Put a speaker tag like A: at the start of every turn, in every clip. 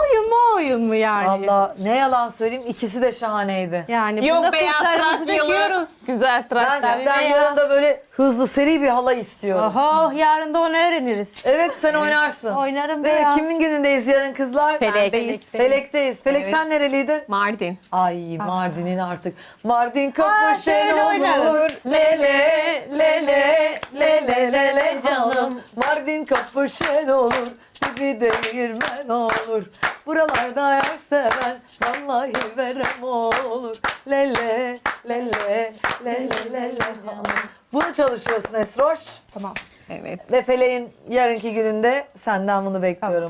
A: oyun mu yani?
B: Valla ne yalan söyleyeyim, ikisi de şahaneydi.
A: Yani
C: Yok,
A: burada
C: beyaz
A: kızlarımızı
C: Trakyalı.
A: döküyoruz.
C: Güzel
B: Ben
C: Trakya.
B: sizden
A: ya.
B: yarın da böyle hızlı seri bir halay istiyorum.
A: Oho, yarın da onu öğreniriz.
B: Evet, sen oynarsın.
A: Oynarım be
B: Değil mi?
A: ya.
B: Kimin günündeyiz yarın kızlar?
C: Felek'teyiz.
B: Felek'teyiz. Felek,
C: Evet.
B: sen nereliydin?
C: Mardin.
B: Ay Mardin'in artık. Mardin
A: şöyle
B: kapışen
A: oynarız.
B: olur. Lele lele lele lele canım. Mardin kapışen olur. Bizi değirmen olur. Buralarda yar seven vallahi verem olur. Lele lele lele lele canım. Bunu çalışıyorsun Esroş.
A: Tamam.
C: Evet.
B: Ve Felek'in yarınki gününde senden bunu bekliyorum.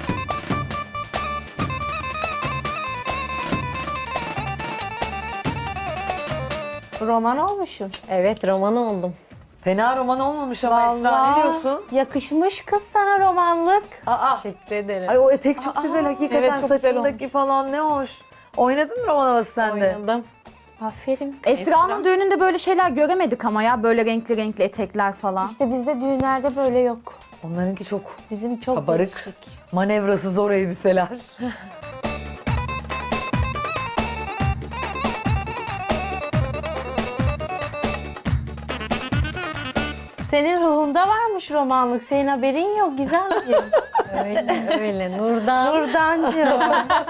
A: Roman olmuşum.
D: Evet, roman oldum.
B: Fena roman olmamış ama Esra, ne diyorsun?
A: Yakışmış kız sana romanlık.
B: Aa,
D: Teşekkür ederim.
B: ay o etek çok güzel hakikaten,
C: evet, çok güzel
B: saçındaki falan ne hoş. Oynadın mı roman havası sen de?
D: Oynadım.
A: Aferin.
E: Esra'nın düğününde böyle şeyler göremedik ama ya, böyle renkli renkli etekler falan.
A: İşte bizde düğünlerde böyle yok.
B: Onlarınki çok
A: Bizim çok
B: kabarık,
A: değişik.
B: manevrası zor elbiseler.
A: Senin ruhunda varmış romanlık. Senin haberin yok Gizemciğim.
D: Öyle. Nurdan.
A: Nurdancığım.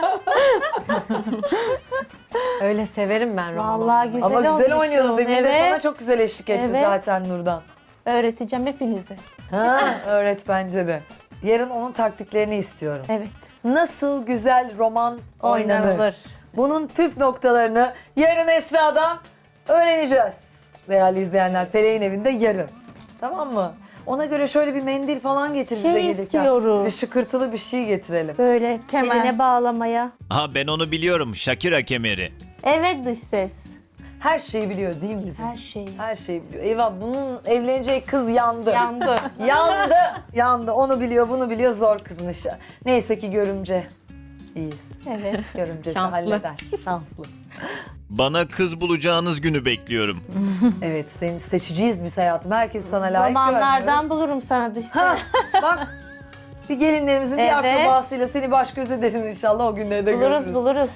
D: Öyle severim ben romanı.
A: Vallahi güzel
B: Ama güzel
A: olmuşsun.
B: oynuyordu. Demin de
A: Evet.
B: sana çok güzel eşlik etti
A: Evet.
B: zaten Nurdan.
A: Öğreteceğim hepinize.
B: Ha, öğret bence de. Yarın onun taktiklerini istiyorum.
A: Evet.
B: Nasıl güzel roman oynanır?
A: Oynanılır.
B: Bunun püf noktalarını yarın Esra'dan öğreneceğiz. Değerli izleyenler, Felek'in evinde yarın. Tamam mı? Ona göre şöyle bir mendil falan getir bize gelirken.
A: istiyoruz.
B: Bir şıkırtılı bir şey getirelim.
A: Böyle
C: Kemer.
A: eline bağlamaya.
F: Ha, ben onu biliyorum. Shakira kemeri.
A: Evet dış ses.
B: Her şeyi biliyor değil mi bizim?
A: Her şeyi.
B: Her şeyi biliyor. Eyvah, bunun evleneceği kız yandı.
A: Yandı.
B: Yandı. Yandı. Onu biliyor, bunu biliyor. Zor kızın işi. Neyse ki görümce. İyi.
A: Evet.
B: Görümcesi
D: Şanslı.
B: halleder. Şanslı.
F: Bana kız bulacağınız günü bekliyorum.
B: Evet, seni seçiciyiz biz hayatım. Herkes sana layık
A: Romanlardan
B: görmüyoruz.
A: bulurum sana dış
B: Ha,
A: ses.
B: bak. Bir gelinlerimizin bir
A: Evet.
B: akrabasıyla seni baş göz ederiz inşallah, o günleri de görürüz.
A: Buluruz.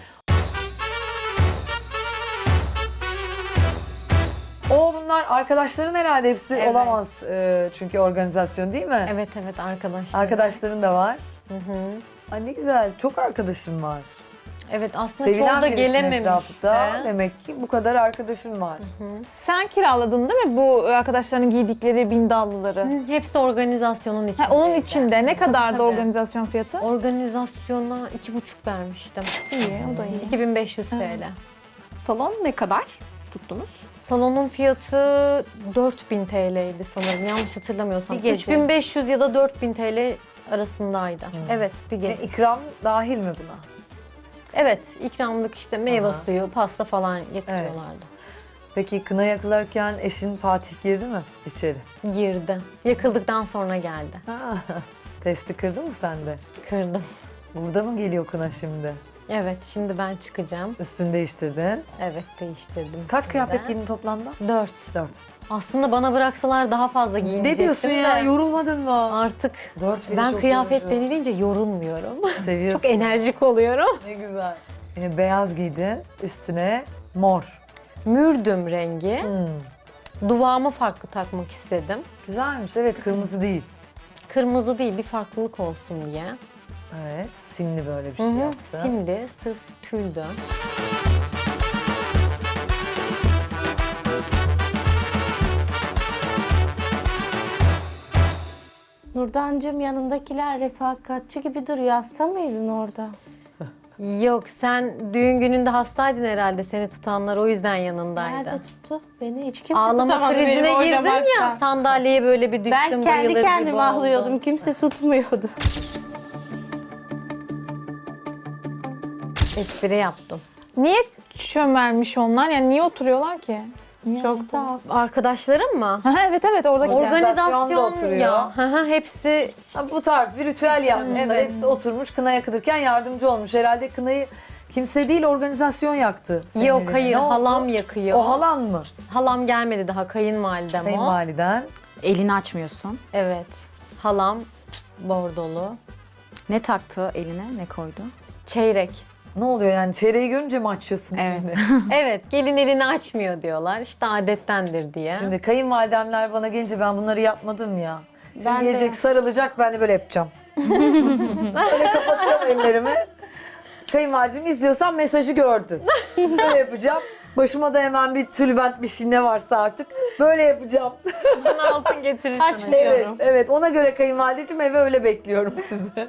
B: Bunlar arkadaşların herhalde hepsi
D: Evet.
B: olamaz çünkü organizasyon değil mi?
D: Evet arkadaşlar.
B: Arkadaşların da var. Ay ne güzel, çok arkadaşım var.
D: Evet, aslında
B: Sevilen
D: çoğu da
B: birisin
D: gelememişti.
B: etrafta. Demek ki bu kadar arkadaşın var.
C: Sen kiraladın değil mi bu arkadaşların giydikleri bindallıları?
D: Hepsi organizasyonun içinde.
C: Ha, onun içinde ne kadardı
D: tabii.
C: organizasyon fiyatı?
D: Organizasyona 2,5 vermiştim.
C: İyi, o da iyi.
D: 2500 TL.
E: Salon ne kadar tuttunuz?
D: Salonun fiyatı 4000 TL'ydi sanırım. Yanlış hatırlamıyorsam.
A: Bir gece.
D: 3500 ya da 4000 TL arasındaydı. Evet, bir gece.
B: İkram dahil mi buna?
D: Evet, ikramlık işte meyve
B: Aha.
D: suyu, pasta falan getiriyorlardı.
B: Peki kına yakılarken eşin Fatih girdi mi içeri?
D: Girdi. Yakıldıktan sonra geldi.
B: Ha, testi kırdın mı sen de?
D: Kırdım.
B: Burada mı geliyor kına şimdi?
D: Evet, şimdi ben çıkacağım.
B: Üstünü değiştirdin.
D: Evet, değiştirdim.
B: Kaç
D: şimdi.
B: kıyafet giydin toplamda?
D: 4.
B: 4.
D: Aslında bana bıraksalar daha fazla giyinecektim
B: Ne diyorsun ya?
D: de
B: Yorulmadın mı?
D: Artık
B: 4 bile
D: ben
B: çok
D: kıyafet
B: yorucu.
D: denilince yorulmuyorum.
B: Seviyorsun.
D: Çok enerjik oluyorum.
B: Ne güzel. Yine beyaz giydin, üstüne mor.
D: Mürdüm rengi.
B: Hmm.
D: Duvağımı farklı takmak istedim.
B: Güzelmiş, evet, kırmızı değil.
D: Kırmızı değil, bir farklılık olsun diye.
B: Evet, simli böyle bir şey
D: Hı hı,
B: yaptın.
D: simli, sırf tüldü.
A: Nurdancığım, yanındakiler refakatçi gibi duruyor. Hasta mıydın orada?
D: Yok, sen düğün gününde hastaydın herhalde, seni tutanlar o yüzden yanındaydı.
A: Nerede tuttu? Beni hiç kimse
D: Ağlama
A: tutamadı benim
D: krizine girdin
A: oynamaktan.
D: ya, sandalyeye böyle bir düştüm,
A: Ben kendi
D: bayılır gibi
A: kendime
D: oldum.
A: ahlıyordum. Kimse tutmuyordu.
D: Espri yaptım.
C: Niye çömelmiş onlar? Yani niye oturuyorlar ki?
A: Çok tuhaf.
D: Arkadaşlarım mı?
C: Ha, evet oradakiler.
B: Organizasyonda
D: Organizasyon
B: oturuyor.
D: ya. Hı hı, hepsi
B: Ha, bu tarz bir ritüel yapmışlar.
D: Evet.
B: Hepsi oturmuş, kına yakılırken yardımcı olmuş. Herhalde kınayı kimse değil, organizasyon yaktı. senin
D: yok
B: evine.
D: hayır,
B: Ne oldu?
D: halam yakıyor.
B: O halan mı?
D: Halam gelmedi daha, kayınvalidem o.
B: Kayınvaliden.
E: Elini açmıyorsun.
D: Evet. Halam bordolu.
E: Ne taktı eline, ne koydu?
D: Çeyrek.
B: Ne oluyor yani? Çeyreği görünce mi açıyorsun?
E: Evet.
B: elini?
D: Evet, gelin elini açmıyor diyorlar. İşte adettendir diye.
B: Şimdi kayınvalidemler bana gelince ben bunları yapmadım ya. Şimdi
A: Ben de
B: gelecek
A: yap-
B: sarılacak, ben de böyle yapacağım. Böyle kapatacağım ellerimi. Kayınvalidem izliyorsan mesajı gördün. Böyle yapacağım. Başıma da hemen bir tülbent bir şey ne varsa artık. Böyle yapacağım.
D: altın getirir
B: Evet,
A: Açmıyorum.
B: evet. Ona göre kayınvalideciğim eve öyle bekliyorum sizi.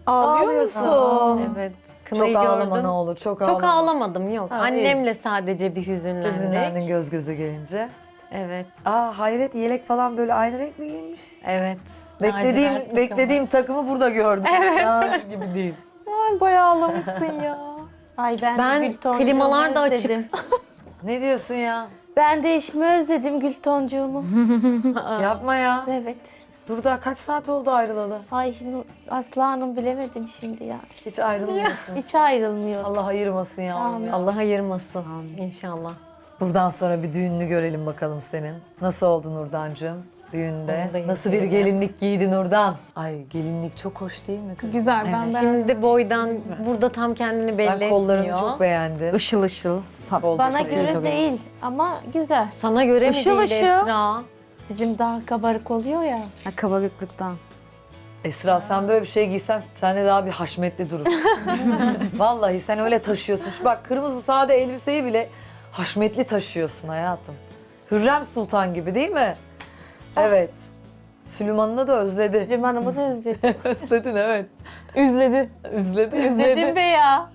B: Ağlıyorsun.
D: Evet. Kınayı
B: Çok ağlama
D: gördüm.
B: ne olur, çok ağlama.
D: Çok ağlamadım yok.
B: Ha,
D: Annemle sadece bir hüzünlendik.
B: Üzünlendin göz göze gelince.
D: Evet,
B: Hayret, yelek falan böyle aynı renk mi giymiş?
D: evet. Lacivert takımı.
B: Beklediğim takımı burada gördüm. Evet. Gibi değil.
C: Ay bayağı ağlamışsın ya.
A: Ay ben,
D: Ben
A: de gül toncuğumu
D: klimalar da açık.
A: özledim.
B: Ne diyorsun ya?
A: Ben de eşimi özledim gül toncuğumu.
B: Yapma ya.
A: Evet.
B: Dur daha kaç saat oldu ayrılalı?
A: Ay Aslı Hanım bilemedim şimdi ya.
B: Hiç ayrılmıyorsun.
A: Hiç ayrılmıyor.
B: Allah ayırmasın yavrum
A: Amin.
B: ya.
D: Allah ayırmasın inşallah.
B: Buradan sonra bir düğününü görelim bakalım senin. Nasıl oldu Nurdancığım düğünde?
D: Onu da
B: Nasıl bir
D: izleyelim.
B: gelinlik giydi Nurdan? Ay gelinlik çok hoş değil mi kız?
C: Güzel ben beğendim.
D: Şimdi boydan burada tam kendini belli
B: Ben kollarını
D: etmiyor.
B: çok beğendim.
E: Işıl ışıl.
A: Bana göre değil ama güzel.
D: Sana göre
E: Işıl
D: mi değil
E: ışıl.
D: Esra?
A: Bizim daha kabarık oluyor ya.
E: Ha, kabarıklıktan.
B: Esra sen böyle bir şey giysen sen de daha bir haşmetli durur. Vallahi sen öyle taşıyorsun. Şu bak kırmızı sade elbiseyi bile haşmetli taşıyorsun hayatım. Hürrem Sultan gibi değil mi? Evet. Süleyman'ını da özledi.
A: Limanımı da özledim.
B: Özledin evet.
C: Üzledi.
B: Özledi.
A: Özledim be ya.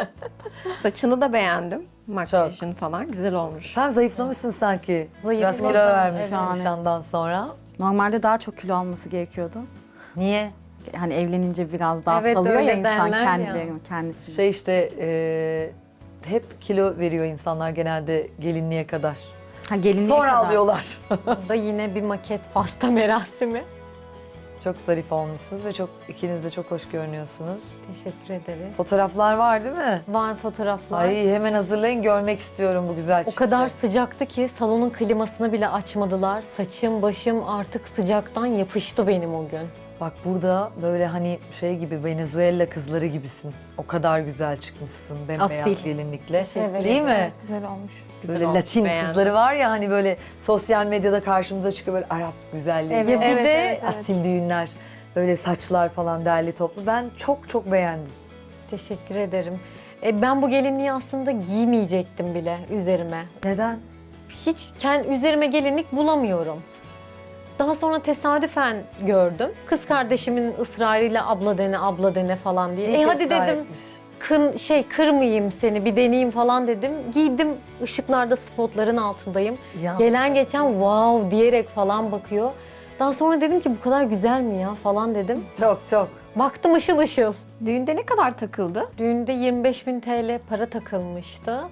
G: Saçını da beğendim. Makyajın falan güzel olmuş.
B: Sen zayıflamışsın sanki. Biraz kilo
D: Zayıfladım,
B: vermişsin
E: evet.
B: nişandan sonra.
E: Normalde daha çok kilo alması gerekiyordu.
B: Niye?
E: Hani evlenince biraz daha
D: Evet,
E: salıyor ya
D: öyle
E: insan
D: derler ya.
E: kendisini.
B: Şey işte hep kilo veriyor insanlar genelde gelinliğe kadar.
E: Ha, gelinliğe
B: Sonra
E: kadar.
B: alıyorlar.
D: Burada yine bir maket pasta merasimi.
B: Çok zarif olmuşsunuz ve çok ikiniz de çok hoş görünüyorsunuz.
D: Teşekkür ederiz.
B: Fotoğraflar var değil mi?
D: Var fotoğraflar.
B: Ay hemen hazırlayın görmek istiyorum bu güzel
D: O
B: çifti.
D: kadar sıcaktı ki salonun klimasını bile açmadılar. Saçım başım artık sıcaktan yapıştı benim o gün.
B: Bak burada böyle hani şey gibi Venezuela kızları gibisin. O kadar güzel çıkmışsın bembeyaz
E: Asil.
B: gelinlikle.
A: Evet.
B: Değil mi?
C: Güzel olmuş.
B: Böyle
G: olmuş,
B: Latin
G: beğendim.
B: kızları var ya hani böyle sosyal medyada karşımıza çıkıyor böyle Arap güzelliği.
A: Evet.
D: Ya bir
A: Evet,
D: de
A: evet.
B: Asil düğünler, böyle saçlar falan derli toplu. Ben çok çok beğendim.
D: teşekkür ederim. Ben bu gelinliği aslında giymeyecektim bile üzerime.
B: Neden?
D: Hiç üzerime gelinlik bulamıyorum. Daha sonra tesadüfen gördüm. Kız kardeşimin ısrarıyla abla dene falan diye.
B: İyi ki
D: Hadi
B: ısrar
D: dedim.
B: etmiş.
D: Kırmayayım seni bir deneyeyim falan dedim. Giydim ışıklarda spotların altındayım.
B: Ya.
D: Gelen geçen wow diyerek falan bakıyor. Daha sonra dedim ki bu kadar güzel mi ya falan dedim.
B: Çok çok.
D: Baktım ışıl ışıl.
G: Düğünde ne kadar takıldı?
D: Düğünde 25.000 TL para takılmıştı.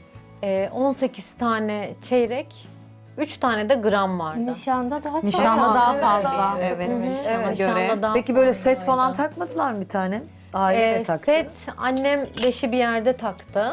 D: 18 tane çeyrek, 3 tane de gram vardı.
A: Nişanda daha çok.
E: Nişanda daha
B: Evet.
E: fazla.
G: Evet, nişana
B: Evet.
G: göre.
D: Nişanda daha
B: Peki böyle
D: fazlaydı.
B: set falan takmadılar mı bir tane? Aile ne taktı?
D: Set annem beşi bir yerde taktı.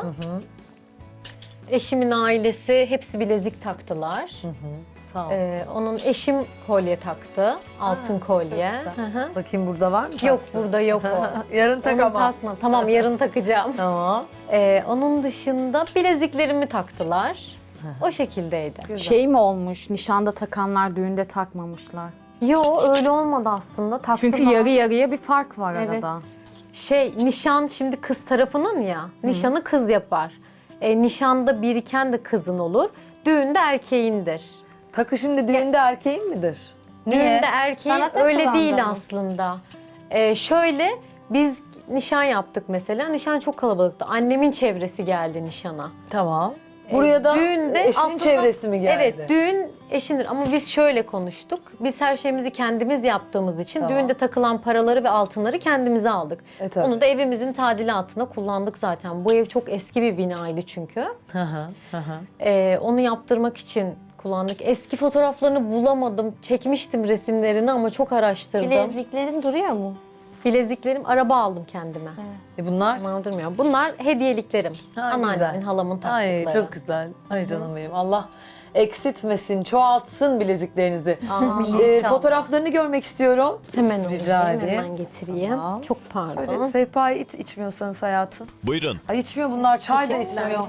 D: Eşimin ailesi hepsi bilezik taktılar.
B: Sağ olsun.
D: Onun eşim kolye taktı. Altın kolye.
B: çok güzel.
D: Hı hı.
B: Bakayım burada var mı?
D: Yok
B: taktı?
D: burada yok o.
B: Yarın tak
D: Onu
B: ama.
D: takma. Tamam yarın takacağım.
B: Tamam.
D: Onun dışında bileziklerimi taktılar. O şekildeydi.
E: Şey mi olmuş, nişanda takanlar düğünde takmamışlar.
D: Yo öyle olmadı aslında. Taktılar.
E: Çünkü yarı yarıya bir fark var
A: Evet.
E: arada.
D: Nişan şimdi kız tarafının ya. Nişanı kız yapar. Nişanda biriken de kızın olur. Düğünde erkeğindir.
B: Takı şimdi düğünde erkeğin midir?
D: Düğünde erkeğin
A: Sana
D: öyle
A: takılan
D: değil
A: da mı?
D: aslında. Şöyle biz nişan yaptık mesela. Nişan çok kalabalıktı. Annemin çevresi geldi nişana.
B: Tamam. Buraya da
D: düğünde
B: eşinin
D: aslında-
B: çevresi mi geldi?
D: Evet, düğün eşindir ama biz şöyle konuştuk. Biz her şeyimizi kendimiz yaptığımız için
B: Tamam.
D: düğünde takılan paraları ve altınları kendimize aldık.
B: tabii.
D: Onu da evimizin tadilatına kullandık zaten. Bu ev çok eski bir binaydı çünkü.
B: Hı hı, hı hı.
D: Onu yaptırmak için kullandık. Eski fotoğraflarını bulamadım. Çekmiştim resimlerini ama çok araştırdım.
A: Bileziklerin duruyor mu?
D: Bileziklerim, araba aldım kendime.
B: Bunlar?
D: Aman durmuyor. Bunlar hediyeliklerim.
B: Ha,
D: Anneannemin,
B: güzel.
D: halamın taktıkları.
B: Ay çok güzel. Ay canım benim. Allah eksiltmesin, çoğaltsın bileziklerinizi.
D: İnşallah.
B: Fotoğraflarını görmek istiyorum.
D: Hemen
B: Rica
D: alayım,
B: edeyim.
D: hemen getireyim.
B: Tamam.
D: Çok
B: Şöyle
D: pardon.
B: sehpayı içmiyorsanız hayatım.
F: Buyurun.
B: Ay içmiyor bunlar, çay da
D: Teşekkürler.
B: içmiyor.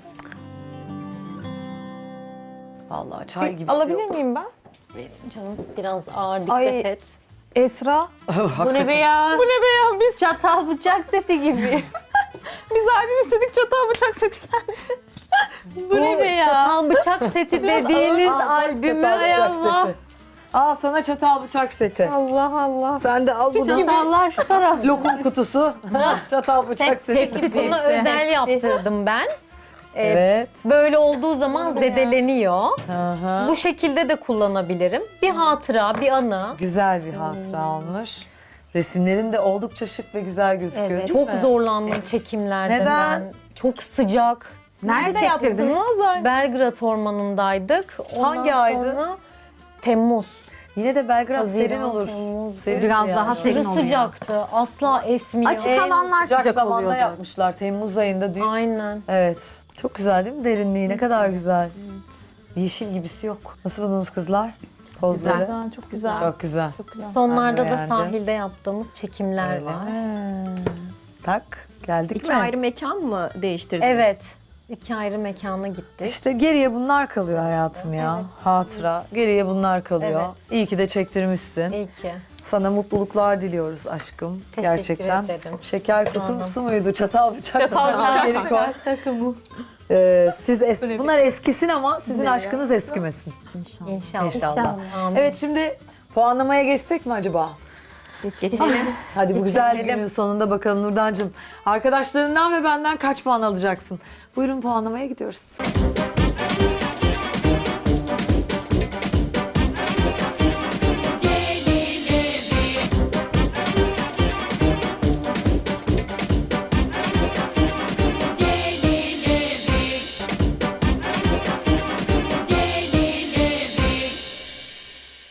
B: Vallahi çay gibi.
C: Alabilir miyim ben?
D: Canım biraz ağır dikkat
C: Ay.
D: et.
C: Esra.
A: Bu ne be ya?
C: Bu ne be ya? Biz
A: Çatal bıçak seti gibi.
C: biz albüm istedik, çatal bıçak seti geldi.
A: Bu ne be ya?
D: Çatal bıçak seti dediğiniz albümü ay Allah.
B: Aa sana çatal bıçak seti.
D: Allah Allah.
B: Sen de al bunu.
A: Çatallar şu taraf.
B: Lokum kutusu. çatal bıçak seti.
D: Hepsi buna özel yaptırdım ben.
B: Evet.
D: Böyle olduğu zaman zedeleniyor.
B: Aha.
D: Bu şekilde de kullanabilirim. Bir hatıra, bir anı.
B: Güzel bir hatıra olmuş. Resimlerin de oldukça şık ve güzel gözüküyor. değil
D: Çok
B: mi?
D: zorlandım çekimlerde
B: Neden?
D: ben. Çok sıcak.
E: Nerede yaptırdınız?
D: Belgrad Ormanı'ndaydık. Ondan
B: Hangi aydı?
D: sonra Temmuz.
B: Yine de Belgrad
D: Haziran,
B: serin olur.
D: Temmuz.
B: Serin
E: Biraz
B: yani.
E: daha serin
D: Aşırı
E: oluyor.
D: sıcaktı. Asla esmiyor.
E: Açık alanlar
B: Sıcak
E: sıcak
B: zamanda
E: oluyordu.
B: yapmışlar. Temmuz ayında düğün.
D: Aynen.
B: Evet. Çok güzel değil mi derinliği? Ne kadar güzel. Yeşil gibisi yok. Nasıl buldunuz kızlar? Pozları.
E: Güzel, çok güzel.
B: Çok güzel.
D: Sonlarda
B: Ben
D: da
B: beğendim.
D: sahilde yaptığımız çekimler
B: Öyle
D: var.
B: mi? Tak. Geldik
G: İki
B: mi?
G: ayrı mekan mı değiştirdiniz?
D: Evet. 2 ayrı mekana gittik.
B: İşte geriye bunlar kalıyor hayatım ya. Hatıra. Geriye bunlar kalıyor.
D: Evet.
B: İyi ki de çektirmişsin.
D: İyi ki.
B: Sana mutluluklar diliyoruz aşkım.
D: Teşekkür
B: Gerçekten.
D: ederim.
B: Şeker kutusu muydu? Çatal bıçak.
C: Çatal
B: Geri
C: bıçak.
B: koy.
A: Takımı.
B: Bunlar eskisin ama sizin aşkınız eskimesin.
D: İnşallah.
B: İnşallah.
D: Amin.
B: Evet şimdi puanlamaya geçsek mi acaba?
G: Geçelim.
B: Hadi bu güzel
D: Geçelim.
B: günün sonunda bakalım Nurdancığım. Arkadaşlarından ve benden kaç puan alacaksın? Buyurun puanlamaya gidiyoruz.